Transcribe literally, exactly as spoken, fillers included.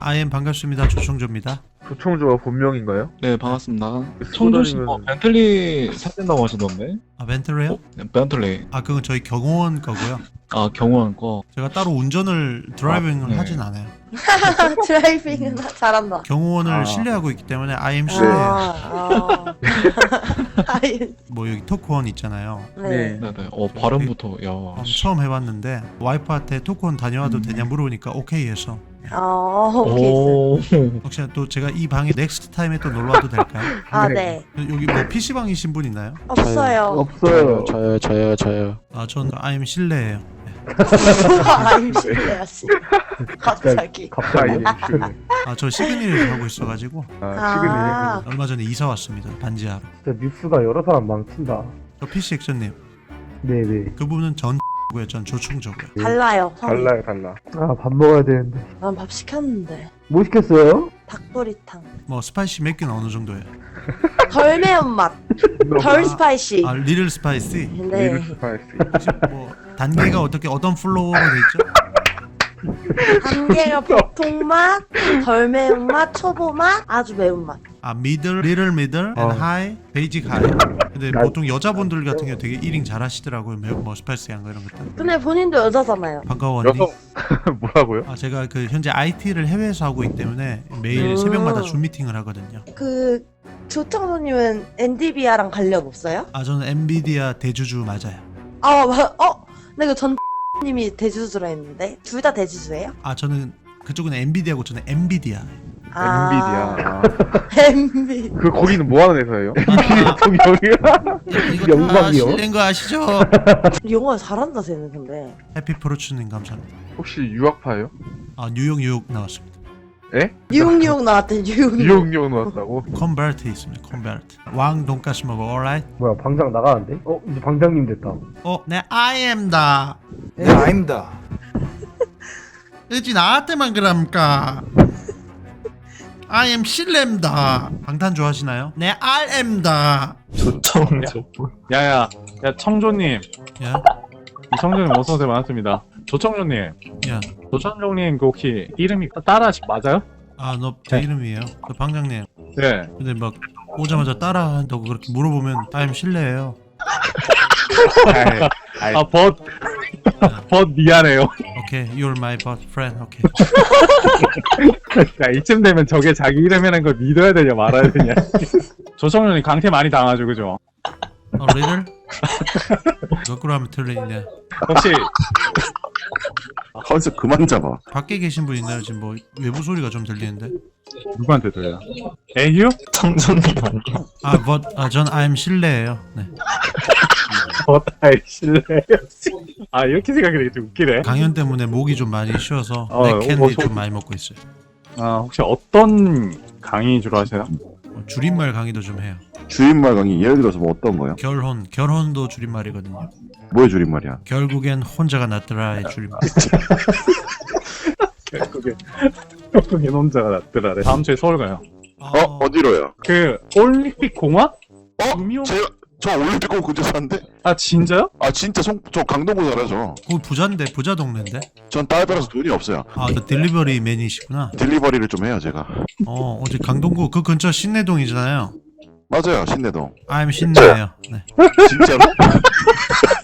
아이엠 반갑습니다. 조청조입니다. 조청조가 본명인가요? 네, 반갑습니다. 청조씨 뭐 벤틀리 사준다고 하시던데? 아 벤틀리요? 어? 네, 벤틀리. 아 그건 저희 경호원 거고요. 아, 경호원 거. 제가 따로 운전을 드라이빙을 아, 네. 하진 않아요. 드라이빙은 잘한다. 경호원을 아. 신뢰하고 있기 때문에 아이엠 아, 신뢰해요. 아. 아이, 뭐 여기 토크원 있잖아요. 네. 네네. 어, 발음부터, 야. 음, 처음 해봤는데 와이프한테 토크원 다녀와도 음. 되냐 물어보니까 오케이 해서. 아, 오케이. 오. 혹시 또 제가 이 방에 넥스트 타임에 또 놀러 와도 될까요? 아, 네. 여기 뭐 피시방이신 분 있나요? 없어요. 없어요. 저요 저요 저요 아 전 아이엠 실내예요. 아임 실례야지. 갑자기. 갑자기. 아 저 시그니를 하고 있어가지고 아, 시그니. 아, 얼마 전에 이사 왔습니다. 반지하로. 진짜 뉴스가 여러 사람 망친다. 저 피씨 액션님 네네. 그분은 전 고요. 전 조충조고요. 달라요. 성이. 달라요, 달라. 아, 밥 먹어야 되는데. 난 밥 시켰는데. 뭐 시켰어요? 닭도리탕. 뭐 스파이시 몇 개는 어느 정도예요? 덜 매운맛. 덜 스파이시. 아 리를 스파이시. 네. 리ル스파이스. 혹시 뭐 단계가 어떻게 어떤 플로어로 돼 있죠? 단계가 보통 맛, 덜 매운맛, 초보맛, 아주 매운맛. 아 미들, 리를 미들, 앤 어. 하이, 베이직 하이. 근데 나- 보통 여자분들 같은 경우 되게 일 인 잘하시더라고요. 매우 뭐 스파이시한 거 이런 것들. 근데 본인도 여자잖아요. 반가워 언니. 여성. 뭐라고요? 아 제가 그 현재 아이티를 해외에서 하고 있기 때문에 매일 음. 새벽마다 줌 미팅을 하거든요. 그 조청소님은 엔디비아랑 관련 없어요? 아 저는 엔비디아 대주주 맞아요. 아, 마- 어? 근데 그전 님이 대주주라 했는데 둘 다 대주주예요? 아 저는 그쪽은 엔비디아고 저는 엔비디아. 아, 엔비디아. 엔비. 그 거기는 뭐 하는 회사예요? 아, 대통령이야? 이거 다 영광이요? 실례인 거 아시죠? 영어 잘한다 쟤는 근데. 해피 프로추님 감사합니다. 혹시 유학파예요? 아 뉴욕 뉴욕 나왔습니다. 에? 뉴욕 뉴욕 나왔대 뉴욕 뉴욕. 뉴욕 뉴욕 나왔다고? 컨버트 있습니다. 컨버트. 왕 돈가스 먹어. alright? 뭐야, 방장 나가는데? 어, 이제 방장님 됐다. 어, 내 아이엠다. 네 아닙니다 어찌 나한테만 그럽니까? 아이엠 실렘다. 방탄 좋아하시나요? 내 알엠다. 조청조 야야, 야 청조님, 야, 청조님 어서 오세요. 반갑습니다. 조청조님, 야. 조청조님 그 혹시 이름이 따라하시 맞아요? 아, 너 제 이름이에요. 그 방장님. 네. 근데 막 오자마자 따라한다고 그렇게 물어보면 아이엠 실례예요. 아이, 아이, 아 벗, 벗 미안해요. 오케이, you're my best friend. 오케이. 야 이쯤 되면 저게 자기 이름이라는 걸 믿어야 되냐 말아야 되냐. 조청조님 강퇴 많이 당하죠, 그죠? 어, 리들? 거꾸로 하면 틀리냐? 혹시 컨셉 그만 잡아. 밖에 계신 분 있나요? 지금 뭐 외부 소리가 좀 들리는데. 누구한테 들려? 에휴? 청조님 아니요 아, but 아, 전 아이엠 실례예요. 네. 벗다이 실례. 아 이렇게 생각하니까 좀 웃기네. 강연 때문에 목이 좀 많이 쉬어서 어, 맥캔디 어, 소- 좀 많이 먹고 있어요. 아 혹시 어떤 강의 주로 하세요? 뭐 줄임말 강의도 좀 해요. 줄임말 강의 예를 들어서 뭐 어떤 거요? 결혼, 결혼도 줄임말이거든요. 뭐의 줄임말이야? 결국엔 혼자가 낫더라의 줄임말. 결국에 결국에 혼자가 낫더라래. 다음 주에 서울 가요. 어? 어디로요? 그 올림픽 공원? 어? 음료? 제가 저 올림픽공 근처 사는데? 아 진짜요? 아 진짜 송, 저 강동구 살아요 저. 거기 부자인데 부자 동네인데. 전 딸 따라서 돈이 없어요. 아, 저 딜리버리 맨이시구나. 딜리버리를 좀 해요 제가. 어, 어제 강동구 그 근처 신내동이잖아요. 맞아요 신내동. I'm 신내예요. 네. 진짜로?